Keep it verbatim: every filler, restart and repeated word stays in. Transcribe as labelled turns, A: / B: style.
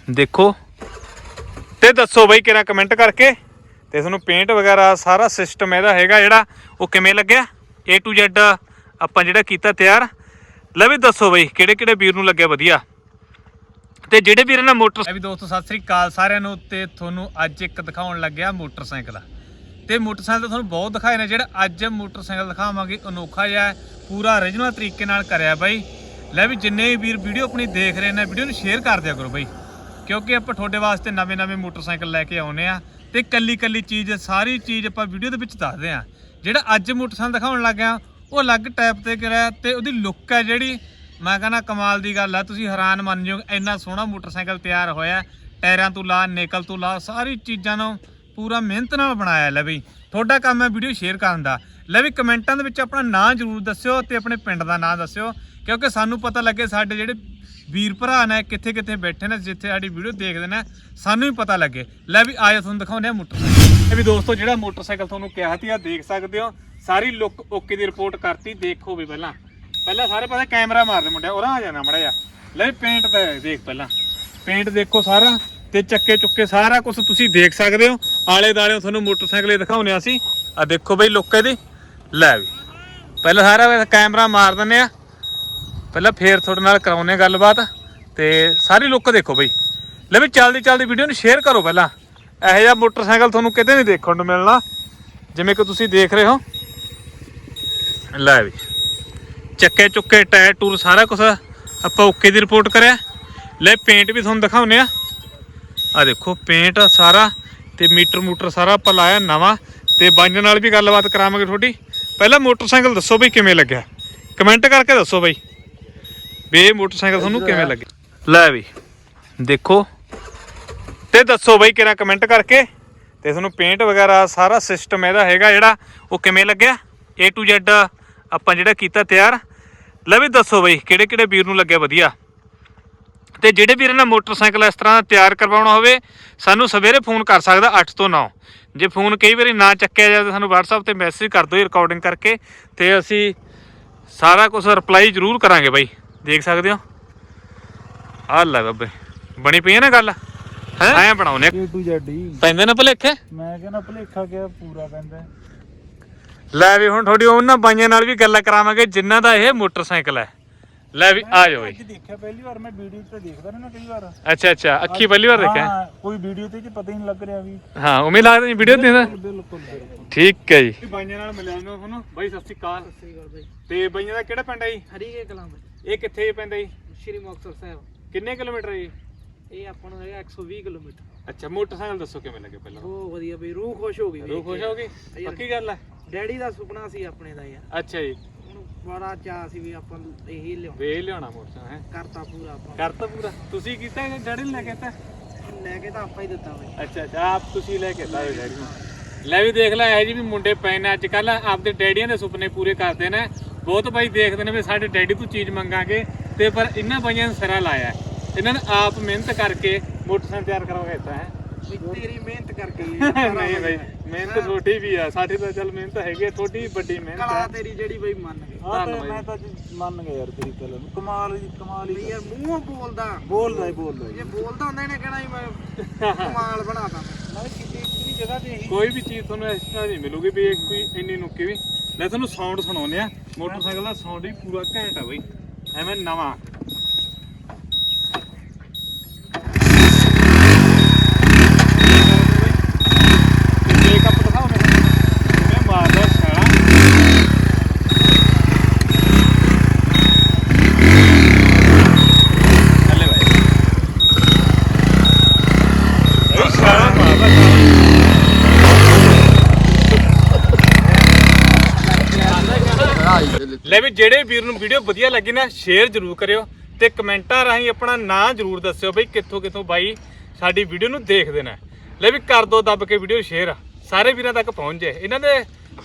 A: देखो ते दसो बई किरा कमेंट करके ते तुहानूं पेंट वगैरह सारा सिस्टम इहदा हैगा जिहड़ा वो किवें लग्गिया ए टू जैड आपां जिहड़ा कीता तैयार। ले भी दसो बई किहड़े किहड़े वीर नूं लग्गिया वधिया ते जिहड़े वीर ने मोटर भी दोस्तों सत श्री अकाल सारिआं नूं ते तुहानूं अज एक दिखाउण लग्गिया मोटरसाइकिल ते मोटरसाइकिल तुहानूं बहुत दिखाए ने जिहड़ा अज मोटरसाइकिल दिखावांगे अनोखा जिहा पूरा ओरिजिनल तरीके नाल करिआ बई। ले भी जिन्ने भी वीर वीडियो अपनी देख रहे हैं वीडियो नूं शेयर कर दिया करो बई क्योंकि आपां तुहाडे वास्ते नवें नवें मोटरसाइकिल लैके आउने आ ते कल्ली कल्ली चीज़ सारी चीज़ आपां वीडियो दे विच दसदे आ। जिहड़ा अज मोटरसाइकिल दिखाउण लग गया वो अलग टाइप ते करिआ ते उहदी लुक है जिहड़ी मैं कहना कमाल दी गल आ। तुसीं हैरान मन जाओ इन्ना सोहना मोटरसाइकिल तैयार होया टायरां तो ला निकल तो ला सारी चीज़ां नूं पूरा मेहनत नाल बनाया। ले बई तुहाडा काम है वीडियो शेयर करन दा। ले भी कमेंटां दे विच अपना नाम जरूर दस्सिओ ते अपने पिंड दा नाम दस्सिओ क्योंकि सानू पता लगे साडे जिहड़े वीर भरा ने कित्थे कित्थे बैठे ने जिथे साडी वीडियो देखदे ने सानू भी पता लगे। ले भी आयो तुहानूं दिखाउने आ मोटरसाइकिल। भी दोस्तों जिहड़ा मोटरसाइकिल तुहानूं किहा सी आ देख सकदे हो सारी लुक ओके दी रिपोर्ट करती। देखो भी पहला पहला सारे पासे कैमरा मारदे मुंडे उरा आ जाना मड़ा जा। ले पेंट ते देख पहला पेंट देखो सारा ते चक्के चुक्के सारा कुछ तुसीं देख सकदे हो। आले दाले तुहानूं मोटरसाइकिल दिखाउने आ सी आ देखो बई लुक इहदी। ले भी पहला सारा कैमरा मार दिंदे आ पहला फिर थोड़े नाल कराउने गलबात ते सारी लुक देखो बई। ले भी चलदी चलदी वीडियो नूं शेयर करो पहला इहो जिहा मोटरसाइकिल तुहानूं किते नहीं देखण नूं मिलना जिवें कि तुसीं देख रहे हो। लै भी चक्के चुक्के टायर टूर सारा कुछ आपां ओके दी रिपोर्ट करिआ। ले पेंट भी तुहानूं दिखाउने आ आ देखो पेंट सारा ते मीटर मूटर सारा आपां लाया नवां ते बाईं नाल भी गलबात करावांगे थोड़ी। पहला मोटरसाइकिल दसो बई किवें लग्गिआ कमेंट करके दसो बई भी ये मोटरसाइकिल तुहानूं किवें लगे। लै भी देखो ते दसो बई किरा कमेंट करके ते तुहानूं पेंट वगैरह सारा सिस्टम इहदा हैगा जिहड़ा वो किवें लग्गिआ ए टू जैड आपां जिहड़ा कीता तैयार। ले भी दसो बई किहड़े किहड़े वीर नूं लग्गिआ वधिया ते जिहड़े वीर ने मोटरसाइकिल इस तरह तैयार करवाउणा होवे सानूं सवेरे फोन कर सकदा अठ तो नौ। जे फोन कई बारी ना चक्किआ जाए तो सानूं WhatsApp ते मैसेज कर दो रिकॉर्डिंग करके ते असीं सारा कुछ रिप्लाई जरूर करांगे बई। देख सकते हो आ लै बाबे बनी पई है ना गल है ऐ बनाउने ए टू जेड ही पैंदे ना भलेखे। मैं कहना भलेखा क्या पूरा पैंदा। लै भी हुण थोड़ी उन्हां बाईਆਂ नाल भी गल्लां करावांगे जिन्हां दा ये मोटरसाइकिल है। लै भी आ जाओ जी देखिया पहली बार मैं वीडियो ते देखदा रहना कई बार। अच्छा अच्छा अखी पहली बार देखिया कोई वीडियो ते पता ही नहीं लग रहा भी। हां उम्मीद लगदा नहीं वीडियो देखदा बिल्कुल ठीक है जी। बाईਆਂ नाल मिलिਆ ਨੂੰ ਤੁਹਾਨੂੰ ਬਾਈ ਸਤਿ ਸ਼੍ਰੀ ਅਕਾਲ। ਸਤਿ ਸ਼੍ਰੀ ਅਕਾਲ ਬਾਈ ਤੇ ਬਾਈਆਂ ਦਾ ਕਿਹੜਾ ਪਿੰਡ ਹੈ ਜੀ? ਹਰੀਕੇ ਕਲਾਂ ਬਾਈ। ਇਹ ਕਿੱਥੇ ਪੈਂਦਾ ਜੀ? ਸ਼੍ਰੀ ਮੁਕਤਸਰ ਸਾਹਿਬ। ਕਿੰਨੇ ਕਿਲੋਮੀਟਰ ਹੈ ਜੀ? ਇਹ ਆਪਾਂ ਨੂੰ ਹੈਗਾ ਇੱਕ ਸੌ ਵੀਹ ਕਿਲੋਮੀਟਰ। ਅੱਛਾ ਮੋਟਰਸਾਈਕਲ ਦੱਸੋ ਕਿਵੇਂ ਲੱਗੇ ਪਹਿਲਾਂ? ਬਹੁਤ ਵਧੀਆ ਬਈ ਰੂਹ ਖੁਸ਼ ਹੋ ਗਈ। ਰੂਹ ਖੁਸ਼ ਹੋ ਗਈ ਪੱਕੀ ਗੱਲ ਹੈ। ਡੈਡੀ ਦਾ ਸੁਪਨਾ ਸੀ ਆਪਣੇ ਦਾ ਯਾਰ। ਅੱਛਾ ਜੀ ਹੁਣ ਬੜਾ ਚਾਹ ਸੀ ਵੀ ਆਪਾਂ ਇਹੀ ਲਿਆਉਣਾ ਵੇ ਲਿਆਉਣਾ ਮੋਟਰਸਾਈਕਲ ਹੈ। ਕਰਤਾ ਪੂਰਾ ਆਪਾਂ ਕਰਤਾ ਪੂਰਾ। ਤੁਸੀਂ ਕੀਤਾ ਡੈਡੀ ਨੇ ਲੈ ਕੇ ਦਿੱਤਾ? ਲੈ ਕੇ ਤਾਂ ਆਪਾਂ ਹੀ ਦਿੱਤਾ ਬਈ। ਅੱਛਾ ਅੱਛਾ ਆਪ ਤੁਸੀਂ ਲੈ ਕੇ ਦਿੱਤਾ ਡੈਡੀ ਨੂੰ। ਲੈ ਵੀ ਦੇਖ ਲੈ ਇਹ ਜੀ ਵੀ ਮੁੰਡੇ ਪਏ ਨੇ ਅੱਜ ਕੱਲ ਆਪਦੇ ਡੈਡੀਆਂ ਦੇ ਸੁਪਨੇ ਪੂਰੇ ਕਰਦੇ ਨੇ। ਬਹੁਤ ਬਾਈ ਦੇਖਦੇ ਨੇ ਵੀ ਸਾਡੇ ਡੈਡੀ ਤੋਂ ਚੀਜ਼ ਮੰਗਾਂਗੇ ਤੇ ਪਰ ਇਹਨਾਂ ਬਾਈਆਂ ਨੇ ਸਿਰਾ ਲਾਇਆ। ਇਹਨਾਂ ਨੇ ਆਪ ਮਿਹਨਤ ਕਰਕੇ ਮੋਟਰਸਾਈਕਲ ਤਿਆਰ ਕਰਵਾ ਦਿੱਤਾ ਹੈ। ਤੇਰੀ ਮਿਹਨਤ ਕਰਕੇ ਨਹੀਂ ਬਾਈ ਮਿਹਨਤ ਛੋਟੀ ਵੀ ਆ ਸਾਡੀ ਤਾਂ ਚੱਲ ਮਿਹਨਤ ਹੈਗੀ ਥੋੜੀ ਵੱਡੀ ਮਿਹਨਤ ਕਲਾ ਤੇਰੀ ਜਿਹੜੀ ਬਾਈ ਮੰਨ ਗਏ। ਧੰਨਵਾਦ ਮੈਂ ਤਾਂ ਮੰਨ ਗਿਆ ਯਾਰ ਤੇਰੀ ਗੱਲ ਨੂੰ ਕਮਾਲ ਜੀ ਕਮਾਲ ਹੀ ਯਾਰ ਮੂੰਹੋਂ ਬੋਲਦਾ ਬੋਲਦਾ ਹੀ ਬੋਲਦਾ ਜੇ ਬੋਲਦਾ ਹੁੰਦਾ ਇਹਨੇ ਕਹਿਣਾ ਮੈਂ ਕਮਾਲ ਬਣਾਤਾ। ਮੈਂ ਕਿਸੇ ਜਗ੍ਹਾ ਤੇ ਕੋਈ ਵੀ ਚੀਜ਼ ਤੁਹਾਨੂੰ ਇਸ ਤਰ੍ਹਾਂ ਨਹੀਂ ਮਿਲੂਗੀ ਵੀ ਕੋਈ ਇੰਨੀ ਨੁੱਕੀ ਵੀ। ਲੈ ਤੁਹਾਨੂੰ ਸਾਊਂਡ ਸੁਣਾਉਂਦੇ ਆ ਮੋਟਰਸਾਈਕਲ ਦਾ ਸਾਊਂਡ ਵੀ ਪੂਰਾ ਘੈਂਟ ਆ ਬਈ ਐਵੇਂ ਨਵਾਂ। ले भी जेड़े वीर नूं वीडियो वधिया लगी ना शेयर जरूर करियो ते कमेंटां राहीं अपना नाम जरूर दस्सिओ बई कित्थों कित्थों बाई साडी वीडियो नूं देखदे ने। ले भी कर दो दब के वीडियो शेयर सारे वीरां तक पहुंच जाए। इन्हां दे